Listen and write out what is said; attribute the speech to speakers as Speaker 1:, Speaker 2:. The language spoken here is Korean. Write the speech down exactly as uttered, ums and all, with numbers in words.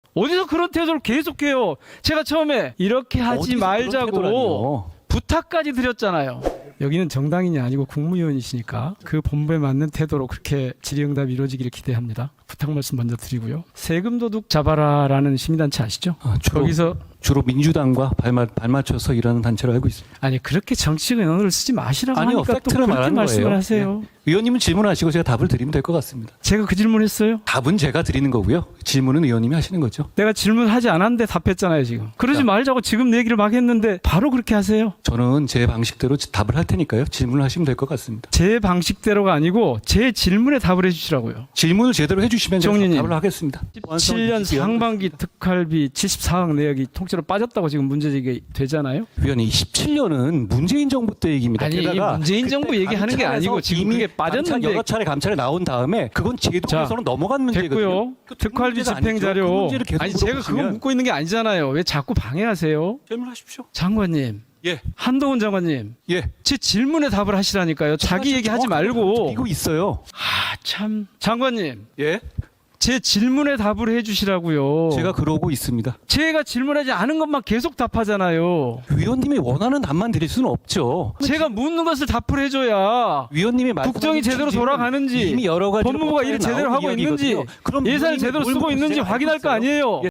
Speaker 1: 어디서 그런 태도를 계속해요? 제가 처음에 이렇게 하지 말자고 부탁까지 드렸잖아요. 여기는 정당인이 아니고 국무위원이시니까 그 본부에 맞는 태도로 그렇게 질의응답이 이루어지기를 기대합니다. 부탁 말씀 먼저 드리고요. 세금 도둑 잡아라라는 시민단체 아시죠?
Speaker 2: 아, 주로,
Speaker 1: 거기서
Speaker 2: 주로 민주당과 발맞, 발맞춰서 일하는 단체로 알고 있습니다.
Speaker 1: 아니 그렇게 정치적 언어를 쓰지 마시라고
Speaker 2: 아니요,
Speaker 1: 하니까 또
Speaker 2: 팩트를
Speaker 1: 그렇게
Speaker 2: 말하는
Speaker 1: 말씀을
Speaker 2: 거예요.
Speaker 1: 하세요.
Speaker 2: 네. 의원님은 질문하시고 제가 답을 드리면 될 것 같습니다.
Speaker 1: 제가 그 질문했어요?
Speaker 2: 답은 제가 드리는 거고요. 질문은 의원님이 하시는 거죠.
Speaker 1: 내가 질문하지 않았는데 답했잖아요 지금. 그러지
Speaker 2: 자.
Speaker 1: 말자고 지금 얘기를 막 했는데 바로 그렇게 하세요.
Speaker 2: 저는 제 방식대로 답을 할 테니까요. 질문을 하시면 될 것 같습니다.
Speaker 1: 제 방식대로가 아니고 제 질문에 답을 해주시라고요.
Speaker 2: 질문을 제대로 해주시면 제가
Speaker 1: 정리님.
Speaker 2: 답을 하겠습니다.
Speaker 1: 칠 년 상반기 특활비 칠십사억 내역이 통째로 빠졌다고 지금 문제제기 되잖아요.
Speaker 2: 위원님, 십칠 년은 문재인 정부 때 얘기입니다.
Speaker 1: 아니
Speaker 2: 게다가
Speaker 1: 문재인 정부
Speaker 2: 그때
Speaker 1: 얘기하는 게
Speaker 2: 감찰에서
Speaker 1: 아니고 지금
Speaker 2: 이미
Speaker 1: 그게
Speaker 2: 감찰,
Speaker 1: 빠졌는데
Speaker 2: 여러 차례 감찰에 나온 다음에 그건 제도에서는 넘어간 문제거든요.
Speaker 1: 됐고요.
Speaker 2: 그
Speaker 1: 특활비
Speaker 2: 문제가
Speaker 1: 집행
Speaker 2: 아니죠. 그
Speaker 1: 자료.
Speaker 2: 문제를 계속
Speaker 1: 아니 제가 그거
Speaker 2: 물어보시면
Speaker 1: 묻고 있는 게 아니잖아요. 왜 자꾸 방해하세요?
Speaker 2: 질문하십시오.
Speaker 1: 장관님,
Speaker 2: 예,
Speaker 1: 한동훈 장관님,
Speaker 2: 예.
Speaker 1: 제 질문에 답을 하시라니까요. 자기 얘기하지 말고.
Speaker 2: 이거 있어요.
Speaker 1: 아 참, 장관님,
Speaker 2: 예,
Speaker 1: 제 질문에 답을 해주시라고요.
Speaker 2: 제가 그러고 있습니다.
Speaker 1: 제가 질문하지 않은 것만 계속 답하잖아요.
Speaker 2: 위원님이 원하는 답만 드릴 수는 없죠.
Speaker 1: 제가 묻는 것을 답을 해줘야
Speaker 2: 위원님이
Speaker 1: 국정이 제대로 돌아가는지,
Speaker 2: 이미 여러 가지
Speaker 1: 법무부가 일을 제대로 하고 있는지, 예산을 제대로 쓰고 있는지 확인할 거 아니에요.